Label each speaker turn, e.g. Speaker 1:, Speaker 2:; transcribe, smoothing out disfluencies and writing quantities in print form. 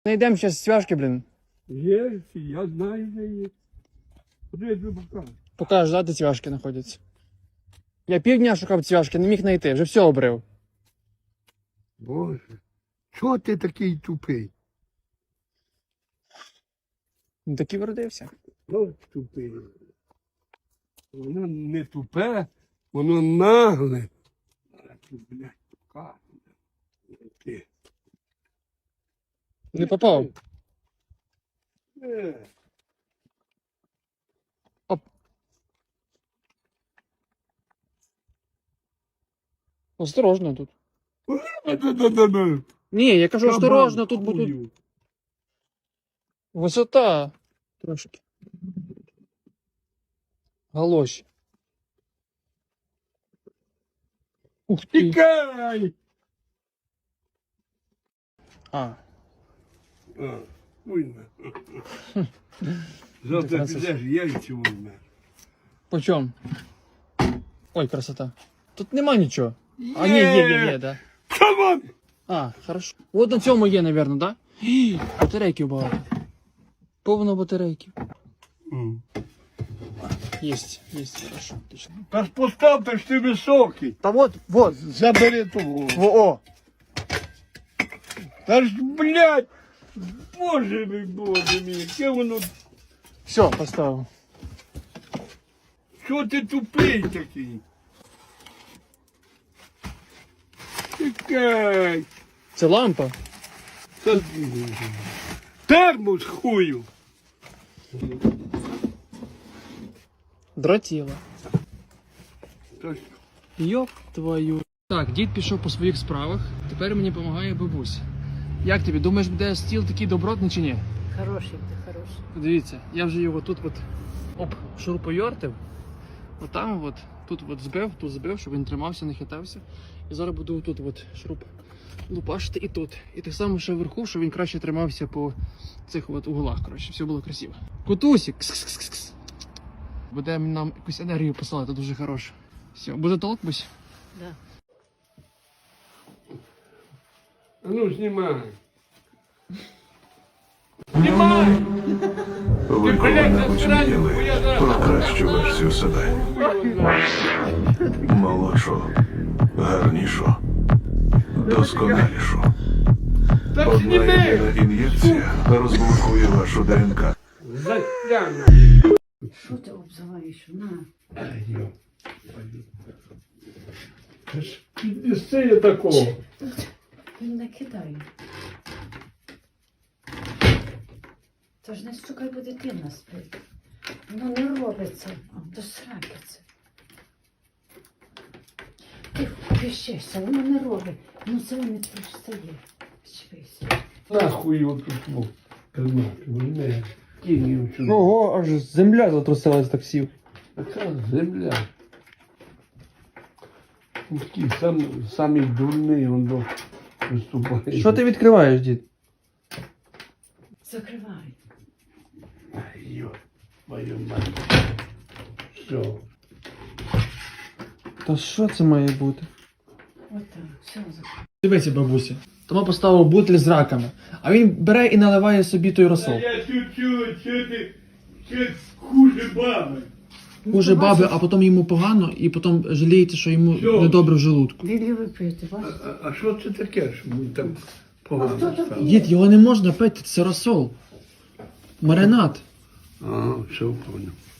Speaker 1: Найдемо зараз цвяшки, блін.
Speaker 2: Є, я знаю, де є. Куди я тобі покажу?
Speaker 1: Покажеш, да, де цвяшки знаходяться. Я півдня шукав цвяшки, не міг знайти, вже все обрив.
Speaker 2: Боже, чого ти такий тупий?
Speaker 1: Ну так і вродився.
Speaker 2: От тупий. Воно не тупе, воно нагле. А ти, блядь, покажу. Ти.
Speaker 1: Не попав.
Speaker 2: Е.
Speaker 1: Оп. Осторожно тут.
Speaker 2: Да-да-да-да.
Speaker 1: Ні, я кажу, осторожно, тут
Speaker 2: Кабан,
Speaker 1: буде
Speaker 2: хую.
Speaker 1: висота. Трошки. Галоші. Ух ти.
Speaker 2: Тікай!
Speaker 1: А.
Speaker 2: Уйна. Завтра
Speaker 1: Француз.
Speaker 2: підеш, яйця візьмеш.
Speaker 1: По чому? Ой, красота. Тут нема нічого. А, ні, є, да.
Speaker 2: Кабан!
Speaker 1: А, хорошо. От на цьому є, напевно, да? Гі, батарейків багато. Повно батарейків. Єсть, хорошо, отлично.
Speaker 2: Та ж постав, та ж ти високий.
Speaker 1: Та вот.
Speaker 2: Забери того.
Speaker 1: О.
Speaker 2: Та ж, блядь, боже мій, яке воно,
Speaker 1: Все, поставив.
Speaker 2: що ти тупий такий? Тікай.
Speaker 1: Це лампа.
Speaker 2: Та- Термос хую.
Speaker 1: Дротіла.
Speaker 2: Та ж,
Speaker 1: Йоп твою. Так, дід пішов по своїх справах, тепер мені допомагає бабуся. Як тобі, думаєш, буде стіл такий добротний чи ні?
Speaker 3: Хороший ти, хороший.
Speaker 1: Дивіться, я вже його тут шуруповертив. Отам от, тут збив, щоб він тримався, не хитався. І зараз буду тут шуруп лупашити і тут. І так само ще вверху, щоб він краще тримався по цих углах, коротше, все було красиво. Котусик! Кс-кс-кс-кс. Буде нам якусь енергію посилати, дуже хороше. Все, буде толк, бусь?
Speaker 3: Да.
Speaker 2: а ну знімай. Знімай!
Speaker 4: Ви коли-небудь мріяли про кращу версію себе. Молодшу, гарнішу, досконалішу.
Speaker 2: Та
Speaker 4: Одна
Speaker 2: зніми!
Speaker 4: єдина ін'єкція розблокує вашу ДНК.
Speaker 2: Затягну.
Speaker 3: Що ти обзиваєш? На.
Speaker 2: Ай, йо. Та ж піднеси я такого.
Speaker 3: Він не кидає. Та ж не стукай, бо дитина спить. Воно не робиться. До сраки це. Ти пищешся, воно не робить. Ну це не встає. Чпися.
Speaker 2: Нахуй його тут був. Не, кинь його сюди.
Speaker 1: Ого, аж земля затрусилась так сів.
Speaker 2: Така земля. Такий самий дурний він до виступає.
Speaker 1: Що ти відкриваєш, дід?
Speaker 3: Закривай.
Speaker 2: Ай, йо, мою мать. Все.
Speaker 1: Та що це має бути?
Speaker 3: Отак, все закривай.
Speaker 1: Дивися, бабуся. Тома поставив бутиль з раками, а він бере і наливає собі той розсол.
Speaker 2: Я чуть-чуть, що хуже баби.
Speaker 1: Хуже баби, а потім йому погано, і потім жаліється, що йому
Speaker 2: Що?
Speaker 1: недобре в желудку.
Speaker 3: Він любить пити, бачиш?
Speaker 2: А що це таке, що ми там
Speaker 3: А
Speaker 2: погано
Speaker 3: хто такий?
Speaker 2: стало?
Speaker 1: Дід, його не можна пити, це розсол. Маринад.
Speaker 2: Ага, все понял.